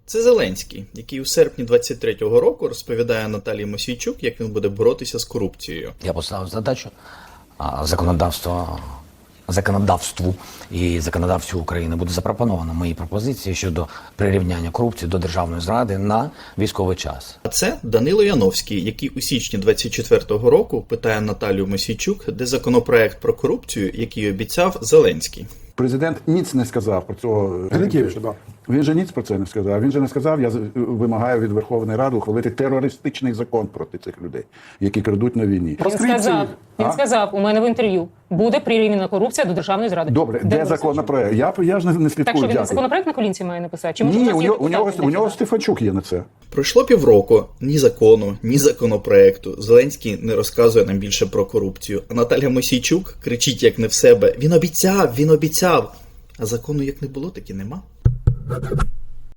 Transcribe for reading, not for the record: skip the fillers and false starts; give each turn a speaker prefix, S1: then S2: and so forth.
S1: Це Зеленський, який у серпні 23-го року розповідає Наталії Мосійчук, як він буде боротися з корупцією.
S2: Я поставив задачу законодавству і законодавству України буде запропоновано мої пропозиції щодо прирівняння корупції до державної зради на військовий час.
S1: А це Данило Яновський, який у січні 24-го року питає Наталію Мосійчук, де законопроект про корупцію, який обіцяв Зеленський.
S3: Президент ніц не сказав про цього. Він же ніц про це не сказав. Він же не сказав, я вимагаю від Верховної Ради ухвалити терористичний закон проти цих людей, які крадуть на війні.
S4: Він сказав у мене в інтерв'ю, буде прирівняна корупція до державної зради.
S3: Добре, де законопроект? Я ж не слідкую.
S4: Так що він
S3: дякую.
S4: законопроект на колінці має написати? Чи
S3: Ні, у нього Стефанчук є на це.
S1: Пройшло півроку, ні закону, ні законопроекту. Зеленський не розказує нам більше про корупцію. А Наталя Мосійчук кричить як не в себе. Він обіцяв. А закону як не було, так і нема.